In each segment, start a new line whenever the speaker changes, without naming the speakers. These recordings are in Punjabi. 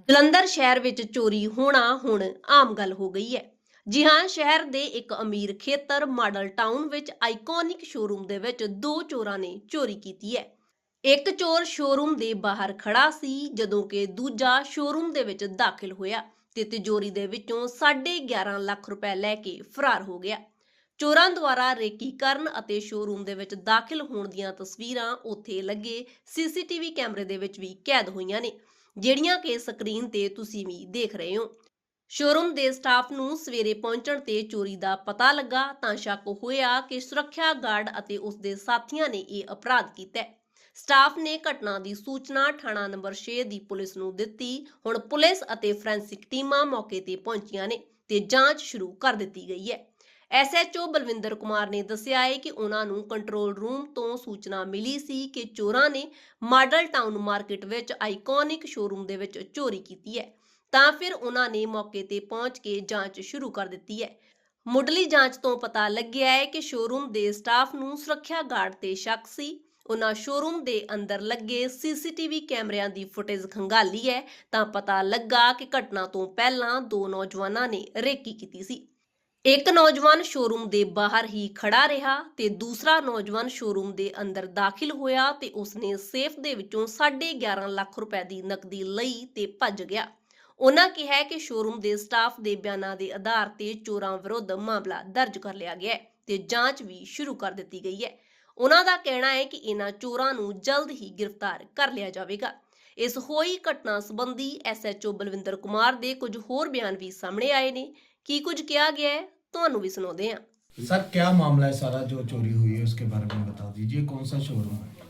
ਜਲੰਧਰ ਸ਼ਹਿਰ ਵਿੱਚ ਚੋਰੀ ਹੋਣਾ ਹੁਣ ਆਮ ਗੱਲ ਹੋ ਗਈ ਹੈ। ਜੀ ਹਾਂ, ਸ਼ਹਿਰ ਦੇ ਇੱਕ ਅਮੀਰ ਖੇਤਰ ਮਾਡਲ ਟਾਊਨ ਵਿੱਚ ਆਈਕੋਨਿਕ ਸ਼ੋਰੂਮ ਦੇ ਵਿੱਚ ਦੋ ਚੋਰਾਂ ਨੇ ਚੋਰੀ ਕੀਤੀ ਹੈ। ਇੱਕ ਚੋਰ ਸ਼ੋਰੂਮ ਦੇ ਬਾਹਰ ਖੜਾ ਸੀ, ਜਦੋਂ ਕਿ ਦੂਜਾ ਸ਼ੋਰੂਮ ਦੇ ਵਿੱਚ ਦਾਖਲ ਹੋਇਆ ਤੇ ਤਿਜੋਰੀ ਦੇ ਵਿੱਚੋਂ 11.5 ਲੱਖ ਰੁਪਏ ਲੈ ਕੇ ਫਰਾਰ ਹੋ ਗਿਆ। ਚੋਰਾਂ ਦੁਆਰਾ ਰੇਕੀ ਕਰਨ ਅਤੇ ਸ਼ੋਰੂਮ ਦੇ ਵਿੱਚ ਦਾਖਲ ਹੋਣ ਦੀਆਂ ਤਸਵੀਰਾਂ ਉੱਥੇ ਲੱਗੇ ਸੀਸੀਟੀਵੀ ਕੈਮਰੇ ਦੇ ਵਿੱਚ ਵੀ ਕੈਦ ਹੋਈਆਂ ਨੇ, ਜਿਹੜੀਆਂ ਕਿ ਸਕਰੀਨ ਤੇ ਤੁਸੀਂ ਵੀ ਦੇਖ ਰਹੇ ਹੋ। ਸ਼ੋਰੂਮ ਦੇ ਸਟਾਫ ਨੂੰ ਸਵੇਰੇ ਪਹੁੰਚਣ ਤੇ ਚੋਰੀ ਦਾ ਪਤਾ ਲੱਗਾ ਤਾਂ ਸ਼ੱਕ ਹੋਇਆ ਕਿ ਸੁਰੱਖਿਆ ਗਾਰਡ ਅਤੇ ਉਸ ਦੇ ਸਾਥੀਆਂ ਨੇ ਇਹ ਅਪਰਾਧ ਕੀਤਾ ਹੈ। ਸਟਾਫ ਨੇ ਘਟਨਾ ਦੀ ਸੂਚਨਾ ਥਾਣਾ ਨੰਬਰ 6 ਦੀ ਪੁਲਿਸ ਨੂੰ ਦਿੱਤੀ। ਹੁਣ ਪੁਲਿਸ ਅਤੇ ਫੋਰੈਂਸਿਕ ਟੀਮਾਂ ਮੌਕੇ ਤੇ ਪਹੁੰਚੀਆਂ ਨੇ ਤੇ ਜਾਂਚ ਸ਼ੁਰੂ ਕਰ ਦਿੱਤੀ ਗਈ ਹੈ। ਐਸਐਚਓ ਬਲਵਿੰਦਰ ਕੁਮਾਰ ਨੇ ਦੱਸਿਆ ਹੈ ਕਿ ਉਹਨਾਂ ਨੂੰ ਕੰਟਰੋਲ ਰੂਮ ਤੋਂ ਸੂਚਨਾ ਮਿਲੀ ਸੀ ਕਿ ਚੋਰਾਂ ਨੇ ਮਾਡਲ ਟਾਊਨ ਮਾਰਕੀਟ ਵਿੱਚ ਆਈਕੋਨਿਕ ਸ਼ੋਰੂਮ ਦੇ ਵਿੱਚ ਚੋਰੀ ਕੀਤੀ ਹੈ, ਤਾਂ ਫਿਰ ਉਹਨਾਂ ਨੇ ਮੌਕੇ ਤੇ ਪਹੁੰਚ ਕੇ ਜਾਂਚ ਸ਼ੁਰੂ ਕਰ ਦਿੱਤੀ ਹੈ। ਮੁੱਢਲੀ ਜਾਂਚ ਤੋਂ ਪਤਾ ਲੱਗਿਆ ਹੈ ਕਿ ਸ਼ੋਰੂਮ ਦੇ ਸਟਾਫ ਨੂੰ ਸੁਰੱਖਿਆ ਗਾਰਡ ਤੇ ਸ਼ੱਕ ਸੀ। ਉਹਨਾਂ ਸ਼ੋਰੂਮ ਦੇ ਅੰਦਰ ਲੱਗੇ ਸੀਸੀਟੀਵੀ ਕੈਮਰਿਆਂ ਦੀ ਫੁਟੇਜ ਖੰਗਾਲੀ ਹੈ ਤਾਂ ਪਤਾ ਲੱਗਾ ਕਿ ਘਟਨਾ ਤੋਂ ਪਹਿਲਾਂ ਦੋ ਨੌਜਵਾਨਾਂ ਨੇ ਰੇਕੀ ਕੀਤੀ ਸੀ। ਇੱਕ ਨੌਜਵਾਨ ਸ਼ੋਰੂਮ ਦੇ ਬਾਹਰ ਹੀ ਖੜਾ ਰਿਹਾ ਤੇ ਦੂਸਰਾ ਨੌਜਵਾਨ ਸ਼ੋਰੂਮ ਦੇ ਅੰਦਰ ਦਾਖਲ ਹੋਇਆ ਤੇ ਉਸਨੇ ਸੇਫ ਦੇ ਵਿੱਚੋਂ 11.5 ਲੱਖ ਰੁਪਏ ਦੀ ਨਕਦੀ ਲਈ ਤੇ ਭੱਜ ਗਿਆ। ਉਹਨਾਂ ਕਿਹਾ ਕਿ ਸ਼ੋਰੂਮ ਦੇ ਸਟਾਫ ਦੇ ਬਿਆਨਾਂ ਦੇ ਆਧਾਰ ਤੇ ਚੋਰਾਂ ਵਿਰੁੱਧ ਮਾਮਲਾ ਦਰਜ ਕਰ ਲਿਆ ਗਿਆ ਹੈ ਤੇ ਜਾਂਚ ਵੀ ਸ਼ੁਰੂ ਕਰ ਦਿੱਤੀ ਗਈ ਹੈ। ਉਹਨਾਂ ਦਾ ਕਹਿਣਾ ਹੈ ਕਿ ਇਹਨਾਂ ਚੋਰਾਂ ਨੂੰ ਜਲਦ ਹੀ ਗ੍ਰਿਫਤਾਰ ਕਰ ਲਿਆ ਜਾਵੇਗਾ। ਇਸ ਹੋਈ ਘਟਨਾ ਸੰਬੰਧੀ ਐਸਐਚਓ ਬਲਵਿੰਦਰ ਕੁਮਾਰ ਦੇ ਕੁਝ ਹੋਰ ਬਿਆਨ ਵੀ ਸਾਹਮਣੇ ਆਏ ਨੇ। ਕੀ ਕੁਝ ਕਿਹਾ गया है ਤੁਹਾਨੂੰ ਵੀ ਸੁਣਾਉਂਦੇ हैं।
सर क्या मामला है सारा जो चोरी हुई है उसके बारे में बता दीजिए, कौन सा शोरूम है?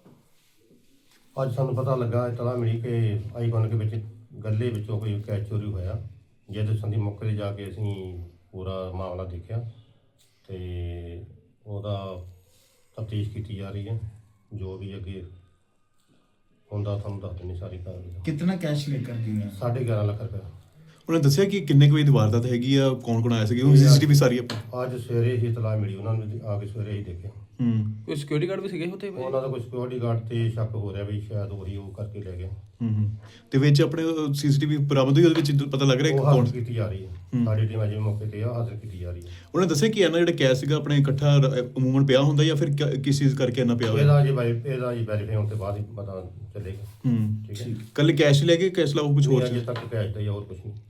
ਅੱਜ ਸਾਨੂੰ ਪਤਾ ਲੱਗਾ ਇਤਲਾ ਮਿਲੀ ਕਿ ਆਈਕਨ ਦੇ ਵਿੱਚ ਗੱਲੇ ਵਿੱਚੋਂ ਕੋਈ ਕੈਸ਼ ਚੋਰੀ ਹੋਇਆ। ਜਿਹਦੇ ਸੰਬੰਧੀ ਮੌਕੇ ਤੇ ਜਾ ਕੇ ਅਸੀਂ ਪੂਰਾ ਮਾਮਲਾ ਦੇਖਿਆ ਤੇ ਉਹਦਾ ਤਫਤੀਸ਼ ਕੀਤੀ ਜਾ ਰਹੀ ਹੈ। ਜੋ ਵੀ ਅੱਗੇ ਹੁੰਦਾ ਤੁਹਾਨੂੰ ਦੱਸ ਦੇਣੀ ਸਾਰੀ ਕਾਰਵਾਈ।
कितना कैश लेकर गए हैं?
11.5 ਲੱਖ ਰੁਪਏ
ਉਹਨੇ ਦੱਸਿਆ ਕਿ ਕਿੰਨੇ ਕੁ ਵਜੇ ਦੀ ਵਾਰਦਾਤ ਹੈਗੀ ਆ, ਕੌਣ ਆਇਆ ਸੀਗਾ, ਉਹ ਸੀਸੀਟੀਵੀ ਸਾਰੀ ਆਪਾਂ
ਅੱਜ ਸਵੇਰੇ ਹੀ ਇਤਲਾ ਮਿਲੀ ਉਹਨਾਂ ਨੂੰ, ਆ ਕੇ ਸਵੇਰੇ ਹੀ ਦੇਖਿਆ।
ਕੋਈ ਸਿਕਿਉਰਿਟੀ ਗਾਰਡ ਵੀ ਸੀਗੇ ਉੱਥੇ?
ਉਹਨਾਂ ਦਾ ਕੋਈ ਸਿਕਿਉਰਿਟੀ ਗਾਰਡ ਤੇ ਸ਼ੱਕ ਹੋ ਰਿਹਾ ਵੀ ਸ਼ਾਇਦ ਉਹੀ ਉਹ ਕਰਕੇ ਲੈ ਗਏ।
ਤੇ ਵਿੱਚ ਆਪਣੇ ਸੀਸੀਟੀਵੀ ਬਰਾਮਦ ਹੋਈ, ਉਹਦੇ ਵਿੱਚ ਪਤਾ ਲੱਗ ਰਿਹਾ
ਉਹ
ਕੌਣ
ਹਾਜ਼ਰ ਕੀਤੀ ਜਾ ਰਹੀ ਹੈ। ਸਾਡੀ ਟੀਮ ਅਜੇ ਮੌਕੇ ਤੇ ਆ, ਹਾਜ਼ਰ ਕੀਤੀ ਜਾ ਰਹੀ ਹੈ।
ਉਹਨੇ ਦੱਸਿਆ ਕਿ ਇਹਨਾਂ ਜਿਹੜਾ ਕੈਸ਼ ਸੀਗਾ ਆਪਣੇ ਇਕੱਠਾ ਅਮੂਮਨ ਪਿਆ ਹੁੰਦਾ ਜਾਂ ਫਿਰ ਕਿਸ ਚੀਜ਼ ਕਰਕੇ ਇਹਨਾਂ ਪਿਆ ਹੋਇਆ?
ਇਹਦਾ ਜੀ ਵੈਰੀਫਾਈ ਹੋਣ ਤੋਂ ਬਾਅਦ ਹੀ ਪਤਾ ਚੱਲੇਗਾ। ਠੀਕ ਹੈ,
ਕੱਲ ਕੈਸ਼ ਲੈ ਕੇ ਕੈਸ਼ ਲਾਓ ਕੁਝ ਹੋਰ
ਅਜੇ ਤੱਕ ਕੈਸ਼ ਦਾ ਹੀ ਹੋਰ ਕੁਝ ਨਹੀਂ।